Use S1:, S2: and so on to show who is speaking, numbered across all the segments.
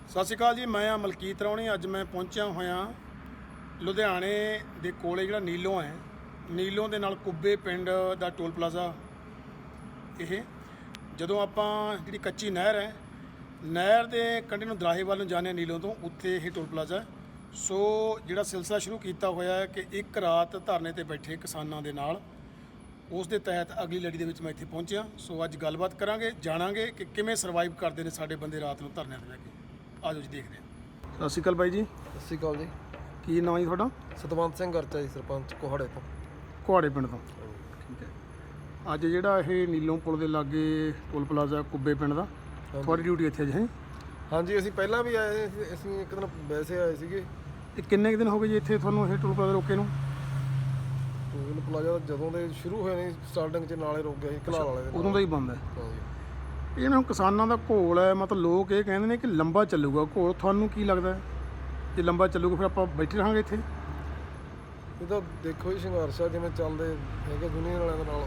S1: ਸਤਿ ਸ਼੍ਰੀ ਅਕਾਲ ਜੀ। ਮੈਂ ਮਲਕੀਤ ਰੌਣੀ। ਅੱਜ ਮੈਂ ਪਹੁੰਚਿਆ ਹੋਇਆ ਲੁਧਿਆਣੇ ਦੇ ਕੋਲੇ ਜਿਹੜਾ ਨੀਲੋਂ ਹੈ, ਨੀਲੋਂ ਦੇ ਨਾਲ ਕੁੱਬੇ ਪਿੰਡ ਦਾ ਟੋਲ ਪਲਾਜ਼ਾ। ਇਹ ਜਦੋਂ ਆਪਾਂ ਜਿਹੜੀ ਕੱਚੀ ਨਹਿਰ ਹੈ, ਨਹਿਰ ਦੇ ਕੰਢੇ ਨੂੰ ਦਰਾਹੇ ਵੱਲ ਨੂੰ ਜਾਂਦੇ ਹਾਂ ਨੀਲੋਂ ਤੋਂ, ਉੱਥੇ ਇਹ ਟੋਲ ਪਲਾਜ਼ਾ। ਸੋ ਜਿਹੜਾ ਸਿਲਸਿਲਾ ਸ਼ੁਰੂ ਕੀਤਾ ਹੋਇਆ ਹੈ ਕਿ ਇੱਕ ਰਾਤ ਧਰਨੇ ਤੇ ਬੈਠੇ ਕਿਸਾਨਾਂ ਦੇ ਨਾਲ, ਉਸ ਦੇ ਤਹਿਤ ਅਗਲੀ ਲੜੀ ਦੇ ਵਿੱਚ ਮੈਂ ਇੱਥੇ ਪਹੁੰਚਿਆ। ਸੋ ਅੱਜ ਗੱਲਬਾਤ ਕਰਾਂਗੇ, ਜਾਣਾਂਗੇ ਕਿ ਕਿਵੇਂ ਸਰਵਾਈਵ ਕਰਦੇ ਨੇ ਸਾਡੇ ਬੰਦੇ ਰਾਤ ਨੂੰ ਧਰਨਿਆਂ ਤੇ ਬਹਿ ਕੇ। ਆ ਜਾਓ ਜੀ, ਦੇਖਦੇ ਹਾਂ। ਸਤਿ ਸ਼੍ਰੀ ਅਕਾਲ ਬਾਈ ਜੀ।
S2: ਸਤਿ ਸ਼੍ਰੀ ਅਕਾਲ ਜੀ।
S1: ਕੀ ਨਾਮ ਜੀ ਤੁਹਾਡਾ?
S2: ਸਤਵੰਤ ਸਿੰਘ ਗਰਚਾ ਜੀ, ਸਰਪੰਚ ਕੋਹਾੜੇ ਤੋਂ।
S1: ਕੁਹਾੜੇ ਪਿੰਡ ਤੋਂ, ਠੀਕ ਹੈ। ਅੱਜ ਜਿਹੜਾ ਇਹ ਨੀਲੋਂ ਪੁਲ ਦੇ ਲਾਗੇ ਟੋਲ ਪਲਾਜ਼ਾ ਕੁੱਬੇ ਪਿੰਡ ਦਾ, ਤੁਹਾਡੀ ਡਿਊਟੀ ਇੱਥੇ ਅੱਜ ਹੈ?
S2: ਹਾਂਜੀ, ਅਸੀਂ ਪਹਿਲਾਂ ਵੀ ਆਏ ਸੀ। ਅਸੀਂ ਇੱਕ ਦਿਨ ਵੈਸੇ ਆਏ ਸੀਗੇ।
S1: ਇਹ ਕਿੰਨੇ ਕੁ ਦਿਨ ਹੋ ਗਏ ਜੀ ਇੱਥੇ ਤੁਹਾਨੂੰ ਇਹ ਟੋਲ ਪਲਾਜ਼ਾ ਰੋਕੇ ਨੂੰ?
S2: ਟੋਲ ਪਲਾਜ਼ਾ ਜਦੋਂ ਦੇ ਸ਼ੁਰੂ ਹੋਏ ਨੇ, ਸਟਾਰਟਿੰਗ 'ਚ ਨਾਲੇ ਰੁਕ ਗਿਆ ਸੀ ਕਨਾਲ ਵਾਲੇ ਦੇ।
S1: ਉਦੋਂ ਦਾ ਹੀ ਬੰਦ ਹੈ
S2: ਹਾਂਜੀ।
S1: ਇਹ ਨਾ ਕਿਸਾਨਾਂ ਦਾ ਘੋਲ ਹੈ, ਮਤਲਬ ਲੋਕ ਇਹ ਕਹਿੰਦੇ ਨੇ ਕਿ ਲੰਬਾ ਚੱਲੂਗਾ ਘੋਲ। ਤੁਹਾਨੂੰ ਕੀ ਲੱਗਦਾ ਹੈ ਜੇ ਲੰਬਾ ਚੱਲੂਗਾ ਫਿਰ ਆਪਾਂ ਬੈਠੇ ਰਹਾਂਗੇ ਇੱਥੇ?
S2: ਇਹ ਤਾਂ ਦੇਖੋ ਜੀ, ਸੰਘਰਸ਼ ਆ ਜਿਵੇਂ ਚੱਲਦੇ ਹੈਗੇ ਯੂਨੀਅਨ ਵਾਲਿਆਂ ਦੇ ਨਾਲ।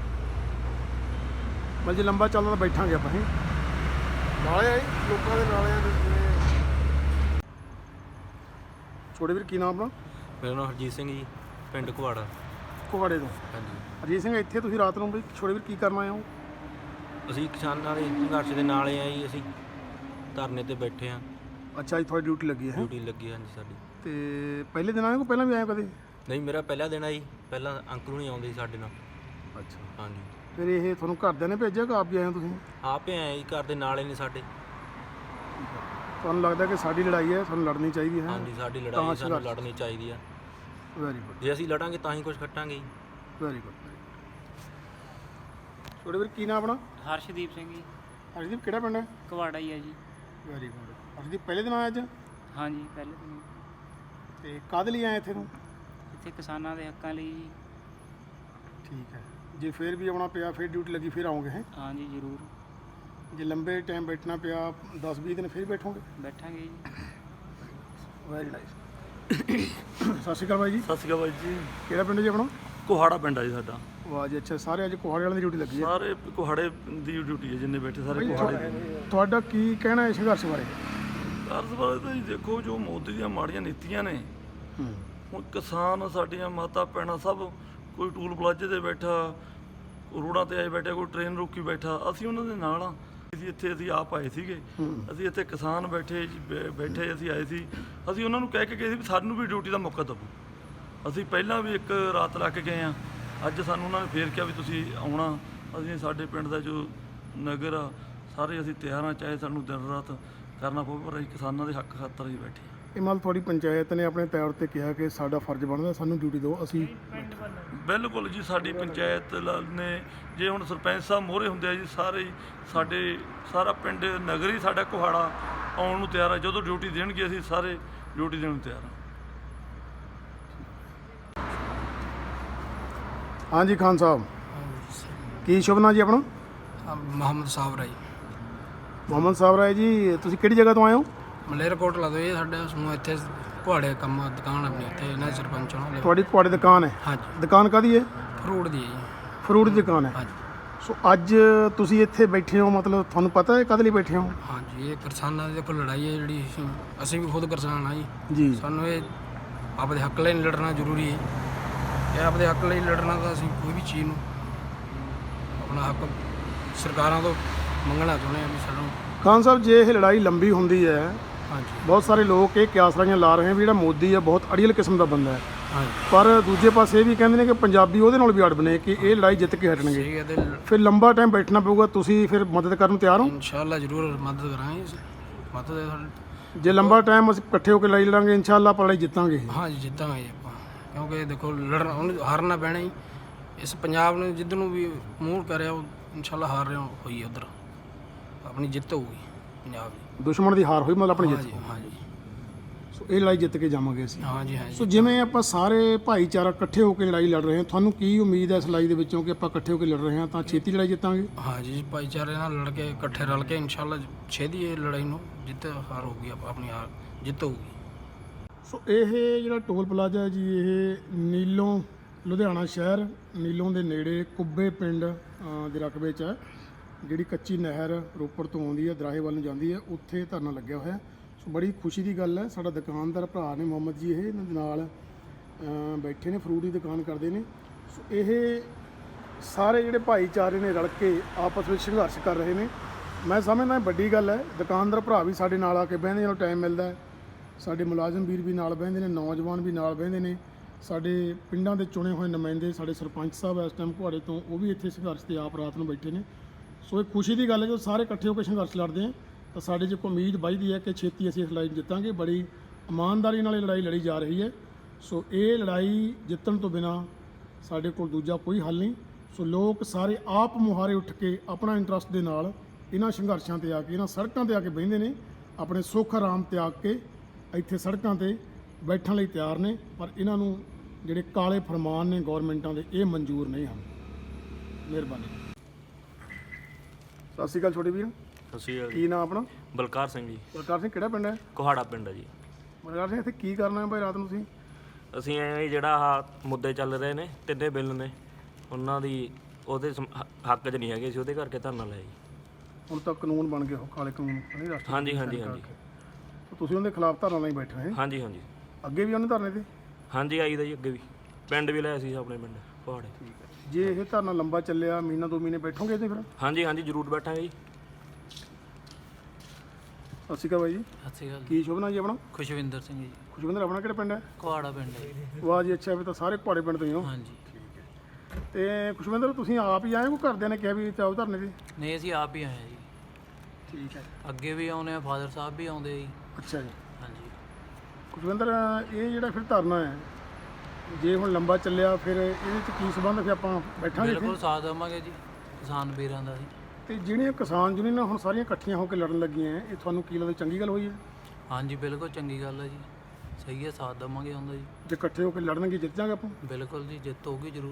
S1: ਮਤਲਬ ਜੇ ਲੰਬਾ ਚੱਲਦਾ ਤਾਂ ਬੈਠਾਂਗੇ ਆਪਾਂ। ਇਹ
S2: ਨਾਲੇ ਆ ਜੀ, ਲੋਕਾਂ ਦੇ ਨਾਲੇ ਆ ਜਿਵੇਂ।
S1: ਛੋਟੇ ਵੀਰ ਕੀ ਨਾਮ ਆਪਣਾ?
S3: ਮੇਰਾ ਨਾਮ ਹਰਜੀਤ ਸਿੰਘ ਜੀ, ਪਿੰਡ ਕੁਹਾੜਾ।
S1: ਕੁਹਾੜੇ ਤੋਂ।
S3: ਹਾਂਜੀ,
S1: ਅਜੀਤ ਸਿੰਘ, ਇੱਥੇ ਤੁਸੀਂ ਰਾਤ ਨੂੰ ਬਈ ਛੋਟੇ ਵੀਰ ਕੀ ਕਰਨ ਆਏ ਹੋ?
S3: ਅਸੀਂ ਕਿਸਾਨਾਂ ਦੇ ਸੰਘਰਸ਼ ਦੇ ਨਾਲ ਆ ਜੀ। ਅਸੀਂ ਧਰਨੇ ਤੇ ਬੈਠੇ ਹਾਂ।
S1: ਅੱਛਾ ਜੀ, ਤੁਹਾਡੀ ਡਿਊਟੀ ਲੱਗੀ ਹੈ?
S3: ਡਿਊਟੀ ਲੱਗੀ ਹਾਂਜੀ ਸਾਡੀ।
S1: ਤੇ ਪਹਿਲੇ ਦਿਨ ਆਏ ਕੋ ਪਹਿਲਾਂ ਵੀ ਆਏ ਹੋ ਕਦੇ?
S3: ਨਹੀਂ, ਮੇਰਾ ਪਹਿਲਾ ਦਿਨ ਆ ਜੀ। ਪਹਿਲਾਂ ਅੰਕਲ ਨਹੀਂ ਆਉਂਦੇ ਸੀ ਸਾਡੇ ਨਾਲ।
S1: ਅੱਛਾ,
S3: ਹਾਂਜੀ।
S1: ਫਿਰ ਇਹ ਤੁਹਾਨੂੰ ਘਰਦਿਆਂ ਨੇ ਭੇਜਿਆ ਕਿ ਆਪ ਵੀ ਆਏ ਹੋ ਤੁਸੀਂ?
S3: ਆਪੇ ਆਏ ਜੀ, ਘਰ ਦੇ ਨਾਲ ਹੀ ਨੇ ਸਾਡੇ।
S1: ਤੁਹਾਨੂੰ ਲੱਗਦਾ ਕਿ ਸਾਡੀ ਲੜਾਈ ਹੈ, ਸਾਨੂੰ ਲੜਨੀ ਚਾਹੀਦੀ ਹੈ?
S3: ਹਾਂਜੀ, ਸਾਡੀ ਲੜਾਈ ਸਾਨੂੰ ਲੜਨੀ ਚਾਹੀਦੀ ਆ।
S1: ਵੈਰੀ ਗੁੱਡ,
S3: ਜੇ ਅਸੀਂ ਲੜਾਂਗੇ ਤਾਂ ਹੀ ਕੁਝ ਖੱਟਾਂਗੇ ਜੀ।
S1: Very good. ਛੋਟੇ ਵੀਰ ਕੀ ਨਾਮ ਆਪਣਾ?
S4: ਹਰਸ਼ਦੀਪ ਸਿੰਘ ਜੀ।
S1: ਹਰਦੀਪ, ਕਿਹੜਾ ਪਿੰਡ ਹੈ?
S4: ਕੁਹਾੜਾ ਹੀ ਹੈ ਜੀ।
S1: Very good. ਹਰਦੀਪ, ਪਹਿਲੇ ਦਿਨ ਆਇਆ ਅੱਜ?
S4: ਹਾਂਜੀ, ਪਹਿਲੇ ਦਿਨ।
S1: ਤੇ ਕਾਹਦੇ ਲਈ ਆਏ ਇੱਥੇ ਨੂੰ?
S4: ਇੱਥੇ ਕਿਸਾਨਾਂ ਦੇ ਹੱਕਾਂ ਲਈ ਜੀ।
S1: ਠੀਕ ਹੈ। ਜੇ ਫਿਰ ਵੀ ਆਉਣਾ ਪਿਆ, ਫਿਰ ਡਿਊਟੀ ਲੱਗੀ, ਫਿਰ ਆਓਗੇ? ਹੈ
S4: ਹਾਂਜੀ, ਜ਼ਰੂਰ
S1: ਜੇ ਲੰਬੇ ਟਾਈਮ ਬੈਠਣਾ ਪਿਆ 10-20 ਦਿਨ, ਫਿਰ ਬੈਠੋਗੇ?
S4: ਬੈਠਾਂਗੇ ਜੀ।
S1: Very nice. ਸਤਿ ਸ਼੍ਰੀ ਅਕਾਲ ਬਾਈ ਜੀ।
S5: ਸਤਿ ਸ਼੍ਰੀ ਅਕਾਲ ਬਾਈ ਜੀ।
S1: ਕਿਹੜਾ ਪਿੰਡ ਜੀ ਆਪਣਾ?
S5: ਕੋਹਾੜਾ ਪਿੰਡ ਆ ਜੀ ਸਾਡਾ।
S1: ਵਾਹ ਜੀ, ਅੱਛਾ। ਸਾਰੇ ਅੱਜ ਕੋਹਾੜੇ ਵਾਲਿਆਂ ਦੀ ਡਿਊਟੀ ਲੱਗੀ ਹੈ?
S5: ਸਾਰੇ ਕੋਹਾੜੇ ਦੀ ਡਿਊਟੀ ਹੈ, ਜਿੰਨੇ ਬੈਠੇ ਸਾਰੇ ਕੋਹਾੜੇ ਦੀ।
S1: ਤੁਹਾਡਾ ਕੀ ਕਹਿਣਾ ਹੈ ਸੰਘਰਸ਼ ਬਾਰੇ?
S5: ਅਰਜ਼ ਬਾਰੇ ਤਾਂ ਜੀ ਦੇਖੋ, ਜੋ ਮੋਦੀ ਦੀਆਂ ਮਾੜੀਆਂ ਨੀਤੀਆਂ ਨੇ, ਹੁਣ ਕਿਸਾਨ, ਸਾਡੀਆਂ ਮਾਤਾ ਭੈਣਾਂ ਸਭ, ਕੋਈ ਟੂਲ ਪਲਾਜ਼ੇ ਤੇ ਬੈਠਾ, ਰੋਡਾਂ ਤੇ ਆਏ ਬੈਠਾ, ਕੋਈ ਟ੍ਰੇਨ ਰੋਕੀ ਬੈਠਾ। ਅਸੀਂ ਉਹਨਾਂ ਦੇ ਨਾਲ ਆ। ਅਸੀਂ ਆਪ ਆਏ ਸੀਗੇ। ਅਸੀਂ ਇੱਥੇ ਕਿਸਾਨ ਬੈਠੇ ਅਸੀਂ ਆਏ ਸੀ। ਅਸੀਂ ਉਹਨਾਂ ਨੂੰ ਕਹਿ ਕੇ ਗਏ ਸੀ ਵੀ ਸਾਨੂੰ ਵੀ ਡਿਊਟੀ ਦਾ ਮੌਕਾ ਦਿਓ। ਅਸੀਂ ਪਹਿਲਾਂ ਵੀ ਇੱਕ ਰਾਤ ਲਾ ਕੇ ਗਏ ਹਾਂ। ਅੱਜ ਸਾਨੂੰ ਉਹਨਾਂ ਨੇ ਫੇਰ ਕਿਹਾ ਵੀ ਤੁਸੀਂ ਆਉਣਾ। ਅਸੀਂ ਸਾਡੇ ਪਿੰਡ ਦਾ ਜੋ ਨਗਰ ਆ, ਸਾਰੇ ਅਸੀਂ ਤਿਆਰ ਹਾਂ, ਚਾਹੇ ਸਾਨੂੰ ਦਿਨ ਰਾਤ ਕਰਨਾ ਪਵੇ, ਪਰ ਅਸੀਂ ਕਿਸਾਨਾਂ ਦੇ ਹੱਕ ਖਾਤਰ ਹੀ ਬੈਠੇ ਹਾਂ।
S1: ਇਹ ਮਤਲਬ ਤੁਹਾਡੀ ਪੰਚਾਇਤ ਨੇ ਆਪਣੇ ਤੌਰ ਤੇ ਕਿਹਾ ਕਿ ਸਾਡਾ ਫਰਜ਼ ਬਣਦਾ ਸਾਨੂੰ ਡਿਊਟੀ ਦਿਓ, ਅਸੀਂ?
S5: ਬਿਲਕੁਲ ਜੀ, ਸਾਡੀ ਪੰਚਾਇਤ ਨੇ, ਜੇ ਹੁਣ ਸਰਪੰਚ ਸਾਹਿਬ ਮੋਹਰੇ ਹੁੰਦੇ ਆ ਜੀ, ਸਾਰੇ ਸਾਡੇ ਸਾਰਾ ਪਿੰਡ ਨਗਰ ਹੀ ਸਾਡਾ ਕੁਹਾੜਾ ਆਉਣ ਨੂੰ ਤਿਆਰ ਆ। ਜਦੋਂ ਡਿਊਟੀ ਦੇਣਗੇ ਅਸੀਂ ਸਾਰੇ ਡਿਊਟੀ ਦੇਣ ਨੂੰ ਤਿਆਰ ਹਾਂ।
S1: ਹਾਂਜੀ ਖਾਨ ਸਾਹਿਬ, ਕੀ ਸ਼ੁਭ ਨਾਂ ਜੀ ਆਪਣਾ?
S6: ਮੁਹੰਮਦ ਸਾਬਰਾ ਜੀ।
S1: ਮੁਹੰਮਦ ਸਾਬਰਾ ਜੀ, ਤੁਸੀਂ ਕਿਹੜੀ ਜਗ੍ਹਾ ਤੋਂ ਆਏ ਹੋ?
S6: ਮਲੇਰਕੋਟਲਾ ਤੋਂ। ਇਹ ਸਾਡੇ ਸਮੂਹ ਇੱਥੇ ਕੁਹਾੜੇ ਕੰਮ ਦੁਕਾਨ ਆਪਣੀ ਇੱਥੇ, ਇਹਨਾਂ ਸਰਪੰਚ ਨਾਲ।
S1: ਤੁਹਾਡੀ ਕੁਹਾੜੇ ਦੁਕਾਨ ਹੈ?
S6: ਹਾਂਜੀ।
S1: ਦੁਕਾਨ ਕਾਹਦੀ ਹੈ?
S6: ਫਰੂਟ ਦੀ ਹੈ ਜੀ।
S1: ਫਰੂਟ ਦੀ ਦੁਕਾਨ ਹੈ?
S6: ਹਾਂਜੀ।
S1: ਸੋ ਅੱਜ ਤੁਸੀਂ ਇੱਥੇ ਬੈਠੇ ਹੋ, ਮਤਲਬ ਤੁਹਾਨੂੰ ਪਤਾ ਹੈ ਕਾਹਦੇ ਲਈ ਬੈਠੇ ਹੋ?
S6: ਹਾਂਜੀ, ਇਹ ਕਿਸਾਨਾਂ ਦੀ ਕੋਈ ਲੜਾਈ ਹੈ ਜਿਹੜੀ ਅਸੀਂ ਵੀ ਖੁਦ ਕਿਸਾਨ ਆ ਜੀ।
S1: ਜੀ।
S6: ਸਾਨੂੰ ਇਹ ਆਪਦੇ ਹੱਕ ਲਈ ਲੜਨਾ ਜ਼ਰੂਰੀ ਹੈ। ਇਹ ਆਪਦੇ ਹੱਕ ਲਈ ਲੜਨਾ ਤਾਂ ਅਸੀਂ ਕੋਈ ਵੀ ਚੀਜ਼ ਨੂੰ ਆਪਣਾ ਹੱਕ ਸਰਕਾਰਾਂ ਤੋਂ ਮੰਗਣਾ ਚਾਹੁੰਦੇ ਹਾਂ ਵੀ ਸਾਨੂੰ।
S1: ਖਾਨ ਸਾਹਿਬ, ਜੇ ਇਹ ਲੜਾਈ ਲੰਬੀ ਹੁੰਦੀ ਹੈ,
S6: ਹਾਂਜੀ
S1: ਬਹੁਤ ਸਾਰੇ ਲੋਕ ਇਹ ਕਿਆਸਰਾਈਆਂ ਲਾ ਰਹੇ ਵੀ ਜਿਹੜਾ ਮੋਦੀ ਹੈ ਬਹੁਤ ਅੜੀਅਲ ਕਿਸਮ ਦਾ ਬੰਦਾ ਹੈ,
S6: ਹਾਂਜੀ।
S1: ਪਰ ਦੂਜੇ ਪਾਸੇ ਇਹ ਵੀ ਕਹਿੰਦੇ ਨੇ ਕਿ ਪੰਜਾਬੀ ਉਹਦੇ ਨਾਲ ਵੀ ਅੜਬ ਨੇ ਕਿ ਇਹ ਲੜਾਈ ਜਿੱਤ ਕੇ ਹਟਣਗੇ।
S6: ਠੀਕ ਹੈ। ਤੇ
S1: ਫਿਰ ਲੰਬਾ ਟਾਈਮ ਬੈਠਣਾ ਪਊਗਾ, ਤੁਸੀਂ ਫਿਰ ਮਦਦ ਕਰਨ ਨੂੰ ਤਿਆਰ ਹੋ?
S6: ਇਨਸ਼ਾਅੱਲਾ ਜ਼ਰੂਰ ਮਦਦ ਕਰਾਂਗੇ। ਮਦਦ
S1: ਜੇ ਲੰਬਾ ਟਾਈਮ ਅਸੀਂ ਇਕੱਠੇ ਹੋ ਕੇ ਲੜਾਈ ਲੜਾਂਗੇ, ਇਨਸ਼ਾਅੱਲਾ ਆਪਾਂ ਲੜਾਈ ਜਿੱਤਾਂਗੇ।
S6: ਹਾਂਜੀ, ਜਿੱਤਾਂਗੇ ਜੀ ਆਪਾਂ। ਕਿਉਂਕਿ ਦੇਖੋ ਲੜਨਾ, ਉਹਨੂੰ ਹਾਰਨਾ ਪੈਣਾ ਹੀ। ਇਸ ਪੰਜਾਬ ਨੇ ਜਿੱਧਰ ਨੂੰ ਵੀ ਮੂੰਹ ਕਰਿਆ, ਉਹ ਇਨਸ਼ਾਅੱਲਾ ਹਾਰ ਰਿਹਾ ਹੋਈ। ਉੱਧਰ ਆਪਣੀ ਜਿੱਤ ਹੋਊਗੀ ਪੰਜਾਬ ਦੀ।
S1: ਦੁਸ਼ਮਣ ਦੀ ਹਾਰ ਹੋਈ, ਮਤਲਬ ਆਪਣੀ ਜਿੱਤ।
S6: ਹਾਂਜੀ ਹਾਂਜੀ
S1: ਸੋ ਇਹ ਲੜਾਈ ਜਿੱਤ ਕੇ ਜਾਵਾਂਗੇ ਅਸੀਂ।
S6: ਹਾਂਜੀ ਹਾਂਜੀ।
S1: ਸੋ ਜਿਵੇਂ ਆਪਾਂ ਸਾਰੇ ਭਾਈਚਾਰਾ ਇਕੱਠੇ ਹੋ ਕੇ ਲੜਾਈ ਲੜ ਰਹੇ ਹਾਂ, ਤੁਹਾਨੂੰ ਕੀ ਉਮੀਦ ਹੈ ਇਸ ਲੜਾਈ ਦੇ ਵਿੱਚੋਂ ਕਿ ਆਪਾਂ ਇਕੱਠੇ ਹੋ ਕੇ ਲੜ ਰਹੇ ਹਾਂ ਤਾਂ ਛੇਤੀ ਲੜਾਈ ਜਿੱਤਾਂਗੇ?
S6: ਹਾਂਜੀ, ਭਾਈਚਾਰੇ ਨਾਲ ਲੜ ਕੇ, ਇਕੱਠੇ ਰਲ ਕੇ ਇਨਸ਼ਾਅੱਲਾ ਛੇਤੀ ਇਹ ਲੜਾਈ ਨੂੰ ਜਿੱਤ ਹਾਰ ਹੋਊਗੀ, ਆਪਣੀ ਹਾਰ ਜਿੱਤ ਹੋਊਗੀ।
S1: ਸੋ ਇਹ ਜਿਹੜਾ ਟੋਲ ਪਲਾਜ਼ਾ ਹੈ ਜੀ, ਇਹ ਨੀਲੋਂ ਲੁਧਿਆਣਾ ਸ਼ਹਿਰ, ਨੀਲੋਂ ਦੇ ਨੇੜੇ ਕੁੱਬੇ ਪਿੰਡ ਦੇ ਰਕਬੇ 'ਚ ਹੈ। ਜਿਹੜੀ ਕੱਚੀ ਨਹਿਰ ਰੋਪੜ ਤੋਂ ਆਉਂਦੀ ਹੈ, ਦਰਾਹੇ ਵੱਲ ਨੂੰ ਜਾਂਦੀ ਹੈ, ਉੱਥੇ ਧਰਨਾ ਲੱਗਿਆ ਹੋਇਆ। ਸੋ ਬੜੀ ਖੁਸ਼ੀ ਦੀ ਗੱਲ ਹੈ। ਸਾਡਾ ਦੁਕਾਨਦਾਰ ਭਰਾ ਨੇ ਮੁਹੰਮਦ ਜੀ, ਇਹ ਇਹਨਾਂ ਦੇ ਨਾਲ ਬੈਠੇ ਨੇ, ਫਰੂਟ ਦੀ ਦੁਕਾਨ ਕਰਦੇ ਨੇ। ਸੋ ਇਹ ਸਾਰੇ ਜਿਹੜੇ ਭਾਈਚਾਰੇ ਨੇ ਰਲ ਕੇ ਆਪਸ ਵਿੱਚ ਸੰਘਰਸ਼ ਕਰ ਰਹੇ ਨੇ। ਮੈਂ ਸਮਝਦਾ ਵੱਡੀ ਗੱਲ ਹੈ। ਦੁਕਾਨਦਾਰ ਭਰਾ ਵੀ ਸਾਡੇ ਨਾਲ ਆ ਕੇ ਬਹਿੰਦੇ, ਜਦੋਂ ਟਾਈਮ ਮਿਲਦਾ ਹੈ। ਸਾਡੇ ਮੁਲਾਜ਼ਮ ਵੀਰ ਵੀ ਨਾਲ ਬਹਿੰਦੇ ਨੇ, ਨੌਜਵਾਨ ਵੀ ਨਾਲ ਬਹਿੰਦੇ ਨੇ, ਸਾਡੇ ਪਿੰਡਾਂ ਦੇ ਚੁਣੇ ਹੋਏ ਨੁਮਾਇੰਦੇ, ਸਾਡੇ ਸਰਪੰਚ ਸਾਹਿਬ ਇਸ ਟਾਈਮ ਘੁਆੜੇ ਤੋਂ, ਉਹ ਵੀ ਇੱਥੇ ਸੰਘਰਸ਼ ਤੇ ਆਪ ਰਾਤ ਨੂੰ ਬੈਠੇ ਨੇ। ਸੋ ਇਹ ਖੁਸ਼ੀ ਦੀ ਗੱਲ ਹੈ, ਜਦੋਂ ਸਾਰੇ ਇਕੱਠੇ ਹੋ ਕੇ ਸੰਘਰਸ਼ ਲੜਦੇ ਆ ਤਾਂ ਸਾਡੇ 'ਚ ਇੱਕ ਉਮੀਦ ਵੱਧਦੀ ਹੈ ਕਿ ਛੇਤੀ ਅਸੀਂ ਇਸ ਲੜਾਈ ਜਿੱਤਾਂਗੇ। ਬੜੀ ਇਮਾਨਦਾਰੀ ਨਾਲ ਇਹ ਲੜਾਈ ਲੜੀ ਜਾ ਰਹੀ ਹੈ। ਸੋ ਇਹ ਲੜਾਈ ਜਿੱਤਣ ਤੋਂ ਬਿਨਾਂ ਸਾਡੇ ਕੋਲ ਦੂਜਾ ਕੋਈ ਹੱਲ ਨਹੀਂ। ਸੋ ਲੋਕ ਸਾਰੇ ਆਪ ਮੁਹਾਰੇ ਉੱਠ ਕੇ ਆਪਣਾ ਇੰਟਰਸਟ ਦੇ ਨਾਲ ਇਹਨਾਂ ਸੰਘਰਸ਼ਾਂ ਤੇ ਆ ਕੇ, ਇਹਨਾਂ ਸੜਕਾਂ ਤੇ ਆ ਕੇ ਬਹਿੰਦੇ ਨੇ, ਆਪਣੇ ਸੁੱਖ ਆਰਾਮ ਤਿਆਗ ਕੇ ਇੱਥੇ ਸੜਕਾਂ ਤੇ ਬੈਠਣ ਲਈ ਤਿਆਰ ਨੇ। ਪਰ ਇਹਨਾਂ ਨੂੰ ਜਿਹੜੇ ਕਾਲੇ ਫਰਮਾਨ ਨੇ ਗੌਰਮੈਂਟਾਂ ਦੇ, ਇਹ ਮਨਜ਼ੂਰ ਨਹੀਂ ਹਨ। ਮਿਹਰਬਾਨੀ। ਸਤਿ ਸ਼੍ਰੀ ਅਕਾਲ ਛੋਟੇ ਵੀਰ,
S3: ਅਸੀਂ
S1: ਕੀ ਨਾਮ ਆਪਣਾ?
S3: ਬਲਕਾਰ ਸਿੰਘ ਜੀ,
S1: ਬਲਕਾਰ ਸਿੰਘ, ਕਿਹੜਾ ਪਿੰਡ ਹੈ?
S3: ਕੋਹਾੜਾ ਪਿੰਡ ਹੈ ਜੀ।
S1: ਬਲਕਾਰ ਸਿੰਘ, ਇੱਥੇ ਕੀ ਕਰਨਾ ਹੈ ਭਾਈ ਰਾਤ ਨੂੰ ਤੁਸੀਂ?
S3: ਅਸੀਂ ਐਂ ਜਿਹੜਾ ਆਹ ਮੁੱਦੇ ਚੱਲ ਰਹੇ ਨੇ, ਤਿੰਨੇ ਬਿੱਲ ਨੇ, ਉਹਨਾਂ ਦੀ ਉਹਦੇ ਹੱਕ 'ਚ ਨਹੀਂ ਹੈਗੇ ਸੀ, ਉਹਦੇ ਕਰਕੇ ਧਰਨਾ ਲਾਇਆ ਜੀ।
S1: ਹੁਣ ਤਾਂ ਕਾਨੂੰਨ ਬਣ ਗਏ, ਉਹ ਕਾਲੇ ਕਾਨੂੰਨ ਨਹੀਂ ਰਾਸ਼ਟਰ।
S3: ਹਾਂਜੀ ਹਾਂਜੀ ਹਾਂਜੀ
S1: ਤੁਸੀਂ ਉਹਦੇ ਖਿਲਾਫ ਧਰਨਾ ਲਈ ਬੈਠੇ ਹੋ?
S3: ਹਾਂਜੀ ਹਾਂਜੀ
S1: ਅੱਗੇ ਵੀ ਉਹਨੇ ਧਰਨੇ ਤੇ?
S3: ਹਾਂਜੀ ਆਈ ਦਾ ਜੀ, ਅੱਗੇ ਵੀ ਪਿੰਡ ਵੀ ਲਾਇਆ ਸੀ ਆਪਣੇ ਪਿੰਡ ਕੋਹਾੜੇ।
S1: ਜੇ ਇਹ ਧਰਨਾ ਲੰਬਾ ਚੱਲਿਆ, ਮਹੀਨਾ 2 ਮਹੀਨੇ ਬੈਠੋਗੇ ਇੱਥੇ ਫਿਰ?
S3: ਹਾਂਜੀ ਹਾਂਜੀ ਜ਼ਰੂਰ ਬੈਠਾਂਗੇ ਜੀ।
S1: ਸਤਿ ਸ਼੍ਰੀ ਅਕਾਲ ਬਾਈ ਜੀ।
S6: ਸਤਿ ਸ਼੍ਰੀ ਅਕਾਲ।
S1: ਕੀ ਸ਼ੁਭ ਨਾਮ ਜੀ ਆਪਣਾ?
S6: ਖੁਸ਼ਵਿੰਦਰ ਸਿੰਘ ਜੀ,
S1: ਖੁਸ਼ਵਿੰਦਰ, ਆਪਣਾ ਕਿਹੜਾ ਪਿੰਡ ਹੈ?
S6: ਕੋਹਾੜਾ ਪਿੰਡ ਹੈ ਜੀ।
S1: ਵਾਹ ਜੀ, ਅੱਛਾ। ਵੀ ਤਾਂ ਸਾਰੇ ਘੁਆੜੇ ਪਿੰਡ ਤੋਂ ਹੀ ਹੋ।
S6: ਹਾਂਜੀ।
S1: ਤੇ ਖੁਸ਼ਵਿੰਦਰ, ਤੁਸੀਂ ਆਪ ਹੀ ਆਏ ਹੋ, ਘਰਦਿਆਂ ਨੇ ਕਿਹਾ ਵੀ ਚਾਹੋ ਧਰਨੇ ਤੇ?
S6: ਨਹੀਂ, ਅਸੀਂ ਆਪ ਹੀ ਆਏ ਹਾਂ ਜੀ।
S1: ਠੀਕ ਹੈ।
S6: ਅੱਗੇ ਵੀ ਆਉਂਦੇ ਆ, ਫਾਦਰ ਸਾਹਿਬ ਵੀ ਆਉਂਦੇ ਜੀ।
S1: ਅੱਛਾ ਜੀ।
S6: ਹਾਂਜੀ।
S1: ਖੁਸ਼ਵਿੰਦਰ, ਇਹ ਜਿਹੜਾ ਫਿਰ ਧਰਨਾ ਹੈ, ਜੇ ਹੁਣ ਲੰਬਾ ਚੱਲਿਆ ਫਿਰ ਇਹਦੇ 'ਚ ਕੀ ਸੰਬੰਧ? ਫਿਰ ਆਪਾਂ ਬੈਠਾਂਗੇ ਇੱਥੇ?
S6: ਬਿਲਕੁਲ ਸਾਥ ਦੇਵਾਂਗੇ ਜੀ ਕਿਸਾਨ ਵੀਰਾਂ ਦਾ ਜੀ।
S1: ਤੇ ਜਿਹੜੀਆਂ ਕਿਸਾਨ ਯੂਨੀਅਨਾਂ ਹੁਣ ਸਾਰੀਆਂ ਇਕੱਠੀਆਂ ਹੋ ਕੇ ਲੜਨ ਲੱਗੀਆਂ, ਇਹ ਤੁਹਾਨੂੰ ਕੀ ਲੱਗਦਾ ਚੰਗੀ ਗੱਲ ਹੋਈ ਹੈ?
S6: ਹਾਂਜੀ, ਬਿਲਕੁਲ ਚੰਗੀ ਗੱਲ ਹੈ ਜੀ। ਸਹੀ ਹੈ, ਸਾਥ ਦੇਵਾਂਗੇ ਹੁੰਦਾ ਜੀ।
S1: ਜੇ ਇਕੱਠੇ ਹੋ ਕੇ ਲੜਨਗੇ ਜਿੱਤ ਜਾਗੇ ਆਪਾਂ।
S6: ਬਿਲਕੁਲ ਜੀ, ਜਿੱਤ ਹੋਊਗੀ ਜ਼ਰੂਰ।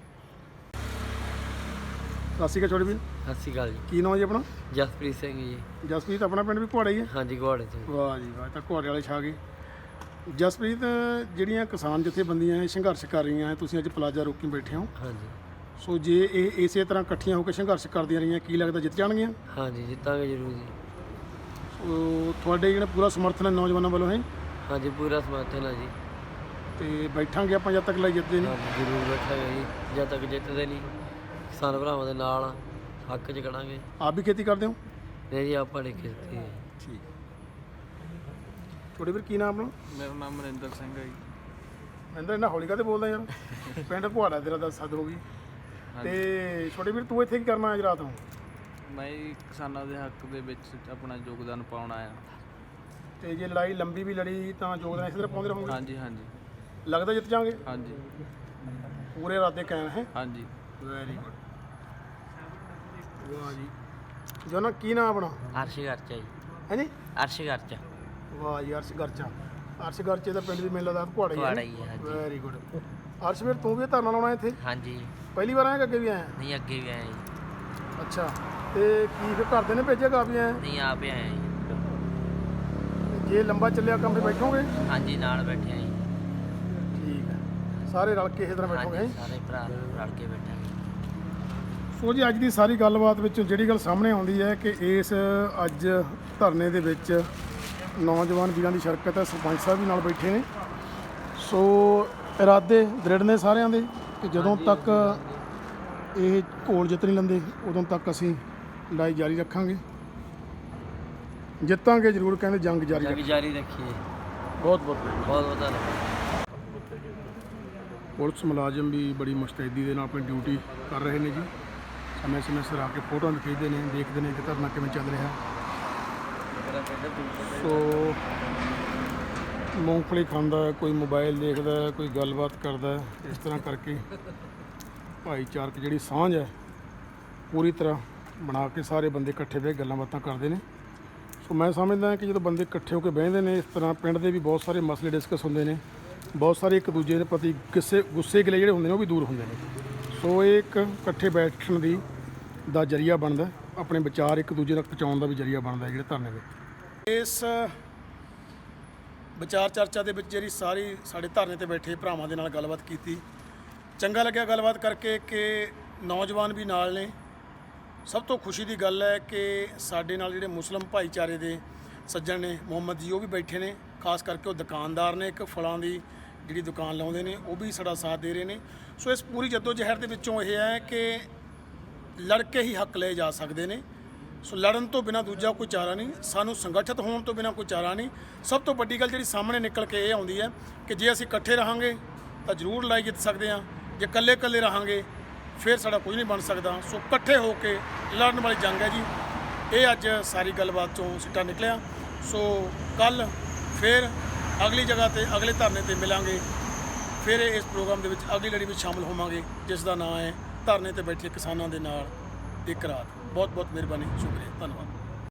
S1: ਸਤਿ ਸ਼੍ਰੀ ਅਕਾਲ ਛੋਟੇ ਵੀਰ,
S7: ਸਤਿ ਸ਼੍ਰੀ ਅਕਾਲ ਜੀ।
S1: ਕੀ ਨਾਮ ਜੀ ਆਪਣਾ?
S7: ਜਸਪ੍ਰੀਤ ਸਿੰਘ ਜੀ।
S1: ਜਸਪ੍ਰੀਤ, ਆਪਣਾ ਪਿੰਡ ਵੀ ਘੁਆੜਾ ਹੀ ਹੈ?
S7: ਹਾਂਜੀ, ਘੋੜੇ ਤੋਂ।
S1: ਵਾਹ ਜੀ ਵਾਹ, ਤਾਂ ਘੁਆੜੇ ਵਾਲੇ ਛਾ ਗਏ। ਜਸਪ੍ਰੀਤ, ਜਿਹੜੀਆਂ ਕਿਸਾਨ ਜਥੇਬੰਦੀਆਂ ਸੰਘਰਸ਼ ਕਰ ਰਹੀਆਂ, ਤੁਸੀਂ ਅੱਜ ਪਲਾਜ਼ਾ ਰੋਕੀ ਬੈਠੇ ਹੋ,
S7: ਹਾਂਜੀ
S1: ਸੋ ਜੇ ਇਹ ਇਸੇ ਤਰ੍ਹਾਂ ਇਕੱਠੀਆਂ ਹੋ ਕੇ ਸੰਘਰਸ਼ ਕਰਦੀਆਂ ਰਹੀਆਂ, ਕੀ ਲੱਗਦਾ ਜਿੱਤ ਜਾਣਗੀਆਂ?
S7: ਹਾਂਜੀ, ਜਿੱਤਾਂਗੇ ਜ਼ਰੂਰ ਜੀ।
S1: ਸੋ ਤੁਹਾਡੇ ਜਿਹੜਾ ਪੂਰਾ ਸਮਰਥਨ ਹੈ ਨੌਜਵਾਨਾਂ ਵੱਲੋਂ ਹੈ?
S7: ਹਾਂਜੀ, ਪੂਰਾ ਸਮਰਥਨ ਹੈ ਜੀ।
S1: ਤੇ ਬੈਠਾਂਗੇ ਆਪਾਂ ਜਦ ਤੱਕ ਲਈ ਜਿੱਤਦੇ ਨਹੀਂ।
S7: ਹਾਂਜੀ, ਜ਼ਰੂਰ ਬੈਠਾਂਗੇ ਜੀ, ਜਦ ਤੱਕ ਜਿੱਤਦੇ ਨਹੀਂ। ਕਿਸਾਨ ਭਰਾਵਾਂ ਦੇ ਨਾਲ ਆ, ਹੱਕ 'ਚ ਖੜਾਂਗੇ।
S1: ਆਪ ਵੀ ਖੇਤੀ ਕਰਦੇ ਹੋ?
S7: ਨਹੀਂ ਜੀ, ਆਪਾਂ ਨਹੀਂ ਕੀਤੀ ਹੈ।
S1: ਠੀਕ। ਛੋਟੇ ਵੀਰ, ਕੀ ਨਾਮ ਆਪਣਾ?
S8: ਮੇਰਾ ਨਾਮ ਮਨਿੰਦਰ ਸਿੰਘ ਹੈ ਜੀ।
S1: ਮਹਿੰਦਰ, ਇੰਨਾ ਹੌਲੀ ਕਾਹਤੇ ਬੋਲਦਾ ਯਾਰ? ਪਿੰਡ ਘੁਆੜਾ ਤੇਰਾ ਦਾ ਸੱਦ ਹੋ ਗਈ। ਤੇ ਛੋਟੇ ਵੀਰ, ਤੂੰ ਇੱਥੇ ਕੀ ਕਰਨਾ ਅੱਜ ਰਾਤ ਨੂੰ?
S8: ਮੈਂ ਜੀ ਕਿਸਾਨਾਂ ਦੇ ਹੱਕ ਦੇ ਵਿੱਚ ਆਪਣਾ ਯੋਗਦਾਨ ਪਾਉਣ ਆਇਆ।
S1: ਤੇ ਜੇ ਲੜਾਈ ਲੰਬੀ ਵੀ ਲੜੀ ਤਾਂ ਯੋਗਦਾਨ ਇਸੇ ਤਰ੍ਹਾਂ ਪਾਉਂਦੇ ਰਹੋਗੇ?
S8: ਹਾਂਜੀ ਹਾਂਜੀ
S1: ਲੱਗਦਾ ਜਿੱਤ ਜਾਵਾਂਗੇ?
S8: ਹਾਂਜੀ
S1: ਪੂਰੇ ਇਰਾਦੇ ਕਾਇਮ ਹੈ?
S8: ਹਾਂਜੀ।
S1: Very good. ਵਾਹ ਜੀ। ਜਨਾ, ਕੀ ਨਾਮ ਆਪਣਾ?
S7: ਅਰਸ਼ ਗਰਚਾ ਜੀ।
S1: ਹਾਂਜੀ,
S7: ਅਰਸ਼ ਗਰਚਾ।
S1: ਵਾਹ ਜੀ, ਅਰਸ਼ ਗਰਚਾ। ਅਰਸ਼ ਗਰਚੇ ਦਾ ਪਿੰਡ ਵੀ ਮੈਨੂੰ ਲੱਗਦਾ ਘੁਆੜਾ
S7: ਘੁਆੜਾ
S1: ਹੀ
S7: ਹੀ ਹੈ,
S1: ਹੈ।
S7: ਹਾਂਜੀ।
S1: Very good. ਅਰਸ਼ ਵੀਰ, ਤੂੰ ਵੀ ਧਰਨਾ ਲਾਉਣਾ ਇੱਥੇ?
S7: ਹਾਂਜੀ।
S1: ਪਹਿਲੀ ਵਾਰ ਆਇਆ ਕਿ ਅੱਗੇ ਵੀ ਆਇਆ?
S7: ਨਹੀਂ, ਅੱਗੇ ਵੀ ਆਏ ਜੀ।
S1: ਅੱਛਾ। ਤੇ ਕੀ ਫਿਰ ਘਰਦੇ ਨੇ ਭੇਜਿਆ ਕਾਫੀ ਆਇਆ?
S7: ਨਹੀਂ, ਆਪ ਹੀ ਆਏ ਜੀ।
S1: ਜੇ ਲੰਬਾ ਚੱਲਿਆ ਕੰਮ ਤੇ ਬੈਠੋਗੇ?
S7: ਹਾਂਜੀ, ਨਾਲ ਬੈਠੇ ਆ ਜੀ।
S1: ਠੀਕ ਹੈ। ਸਾਰੇ ਰਲ ਕੇ ਇਸੇ ਤਰ੍ਹਾਂ ਬੈਠੋਗੇ?
S7: ਹਾਂਜੀ, ਸਾਰੇ ਭਰਾ ਰਲ ਕੇ ਬੈਠਾਂਗੇ।
S1: ਸੋ ਜੀ, ਅੱਜ ਦੀ ਸਾਰੀ ਗੱਲਬਾਤ ਵਿੱਚ ਜਿਹੜੀ ਗੱਲ ਸਾਹਮਣੇ ਆਉਂਦੀ ਹੈ ਕਿ ਇਸ ਅੱਜ ਧਰਨੇ ਦੇ ਵਿੱਚ ਨੌਜਵਾਨ ਵੀਰਾਂ ਦੀ ਸ਼ਿਰਕਤ ਹੈ। ਸਰਪੰਚ ਸਾਹਿਬ ਵੀ ਨਾਲ ਬੈਠੇ ਨੇ। ਸੋ ਇਰਾਦੇ ਦ੍ਰਿੜ ਨੇ ਸਾਰਿਆਂ ਦੇ ਕਿ ਜਦੋਂ ਤੱਕ ਇਹ ਘੋਲ ਜਿੱਤ ਨਹੀਂ ਲੈਂਦੇ, ਉਦੋਂ ਤੱਕ ਅਸੀਂ ਲੜਾਈ ਜਾਰੀ ਰੱਖਾਂਗੇ। ਜਿੱਤਾਂਗੇ ਜ਼ਰੂਰ, ਕਹਿੰਦੇ ਜੰਗ ਜਾਰੀ
S7: ਜੰਗ
S1: ਰੱਖਾਂਗੇ।
S7: ਜਾਰੀ ਰੱਖੀਏ।
S1: ਬਹੁਤ ਬਹੁਤ
S7: ਬਹੁਤ ਬਹੁਤ ਧੰਨਵਾਦ।
S1: ਪੁਲਿਸ ਮੁਲਾਜ਼ਮ ਵੀ ਬੜੀ ਮੁਸਤੈਦੀ ਦੇ ਨਾਲ ਆਪਣੀ ਡਿਊਟੀ ਕਰ ਰਹੇ ਨੇ ਜੀ। ਸਮੇਂ ਸਮੇਂ ਸਿਰ ਆ ਕੇ ਫੋਟੋਆਂ ਵੀ ਖਿੱਚਦੇ ਨੇ, ਦੇਖਦੇ ਨੇ ਕਿ ਧਰਨਾ ਕਿਵੇਂ ਚੱਲ ਰਿਹਾ। ਸੋ ਮੂੰਗਫਲੀ ਖਾਂਦਾ ਹੈ, ਕੋਈ ਮੋਬਾਈਲ ਦੇਖਦਾ ਹੈ, ਕੋਈ ਗੱਲਬਾਤ ਕਰਦਾ ਹੈ। ਇਸ ਤਰ੍ਹਾਂ ਕਰਕੇ ਭਾਈਚਾਰਕ ਜਿਹੜੀ ਸਾਂਝ ਹੈ ਪੂਰੀ ਤਰ੍ਹਾਂ ਬਣਾ ਕੇ ਸਾਰੇ ਬੰਦੇ ਇਕੱਠੇ ਬਹਿ ਕੇ ਗੱਲਾਂ ਬਾਤਾਂ ਕਰਦੇ ਨੇ। ਸੋ ਮੈਂ ਸਮਝਦਾ ਕਿ ਜਦੋਂ ਬੰਦੇ ਇਕੱਠੇ ਹੋ ਕੇ ਬਹਿੰਦੇ ਨੇ ਇਸ ਤਰ੍ਹਾਂ, ਪਿੰਡ ਦੇ ਵੀ ਬਹੁਤ ਸਾਰੇ ਮਸਲੇ ਡਿਸਕਸ ਹੁੰਦੇ ਨੇ, ਬਹੁਤ ਸਾਰੇ ਇੱਕ ਦੂਜੇ ਦੇ ਪ੍ਰਤੀ ਗੁੱਸੇ ਗਿਲੇ ਜਿਹੜੇ ਹੁੰਦੇ ਨੇ ਉਹ ਵੀ ਦੂਰ ਹੁੰਦੇ ਨੇ। ਸੋ ਇਹ ਇੱਕ ਇਕੱਠੇ ਬੈਠਣ ਦਾ ਜ਼ਰੀਆ ਬਣਦਾ, ਆਪਣੇ ਵਿਚਾਰ ਇੱਕ ਦੂਜੇ ਤੱਕ ਪਹੁੰਚਾਉਣ ਦਾ ਵੀ ਜ਼ਰੀਆ ਬਣਦਾ ਜਿਹੜੇ ਧਰਨੇ ਵਿੱਚ। ਇਸ ਵਿਚਾਰ ਚਰਚਾ ਦੇ ਵਿੱਚ ਜਿਹੜੀ ਸਾਰੀ ਸਾਡੇ ਧਰਨੇ ਤੇ ਬੈਠੇ ਭਰਾਵਾਂ ਦੇ ਨਾਲ ਗੱਲਬਾਤ ਕੀਤੀ, ਚੰਗਾ ਲੱਗਿਆ ਗੱਲਬਾਤ ਕਰਕੇ ਕਿ ਨੌਜਵਾਨ ਵੀ ਨਾਲ ਨੇ। ਸਭ ਤੋਂ ਖੁਸ਼ੀ ਦੀ ਗੱਲ ਹੈ ਕਿ ਸਾਡੇ ਨਾਲ ਜਿਹੜੇ ਮੁਸਲਿਮ ਭਾਈਚਾਰੇ ਦੇ ਸੱਜਣ ਨੇ ਮੁਹੰਮਦ ਜੀ, ਉਹ ਵੀ ਬੈਠੇ ਨੇ। ਖਾਸ ਕਰਕੇ ਉਹ ਦੁਕਾਨਦਾਰ ਨੇ, ਇੱਕ ਫਲਾਂ ਦੀ ਜਿਹੜੀ ਦੁਕਾਨ ਲਾਉਂਦੇ ਨੇ, ਉਹ ਵੀ ਸਾਡਾ ਸਾਥ ਦੇ ਰਹੇ ਨੇ। ਸੋ ਇਸ ਪੂਰੀ ਜਹਿਦ ਦੇ ਵਿੱਚੋਂ ਇਹ ਹੈ ਕਿ ਲੜ ਕੇ ਹੀ ਹੱਕ ਲਏ ਜਾ ਸਕਦੇ ਨੇ। ਸੋ ਲੜਨ ਤੋਂ ਬਿਨਾਂ ਦੂਜਾ ਕੋਈ ਚਾਰਾ ਨਹੀਂ, ਸਾਨੂੰ ਸੰਗਠਿਤ ਹੋਣ ਤੋਂ ਬਿਨਾਂ ਕੋਈ ਚਾਰਾ ਨਹੀਂ। ਸਭ ਤੋਂ ਵੱਡੀ ਗੱਲ ਜਿਹੜੀ ਸਾਹਮਣੇ ਨਿਕਲ ਕੇ ਇਹ ਆਉਂਦੀ ਹੈ ਕਿ ਜੇ ਅਸੀਂ ਇਕੱਠੇ ਰਹਾਂਗੇ ਤਾਂ ਜ਼ਰੂਰ ਲੜਾਈ ਜਿੱਤ ਸਕਦੇ ਹਾਂ, ਜੇ ਇਕੱਲੇ ਰਹਾਂਗੇ ਫਿਰ ਸਾਡਾ ਕੁਝ ਨਹੀਂ ਬਣ ਸਕਦਾ। ਸੋ ਇਕੱਠੇ ਹੋ ਕੇ ਲੜਨ ਵਾਲੀ ਜੰਗ ਹੈ ਜੀ। ਇਹ ਅੱਜ ਸਾਰੀ ਗੱਲਬਾਤ ਚੋਂ ਸਿੱਟਾ ਨਿਕਲਿਆ। ਸੋ ਕੱਲ ਫਿਰ ਅਗਲੀ ਜਗ੍ਹਾ ਤੇ ਅਗਲੇ ਧਰਨੇ ਤੇ ਮਿਲਾਂਗੇ। ਫਿਰ ਇਸ ਪ੍ਰੋਗਰਾਮ ਦੇ ਵਿੱਚ ਅਗਲੀ ਲੜੀ ਵਿੱਚ ਸ਼ਾਮਲ ਹੋਵਾਂਗੇ, ਜਿਸ ਦਾ ਨਾਂ ਹੈ ਧਰਨੇ ਤੇ ਬੈਠੇ ਕਿਸਾਨਾਂ ਦੇ ਨਾਲ ਇੱਕ ਰਾਤ। ਬਹੁਤ ਬਹੁਤ ਮਿਹਰਬਾਨੀ, ਸ਼ੁਕਰੀਆ, ਧੰਨਵਾਦ।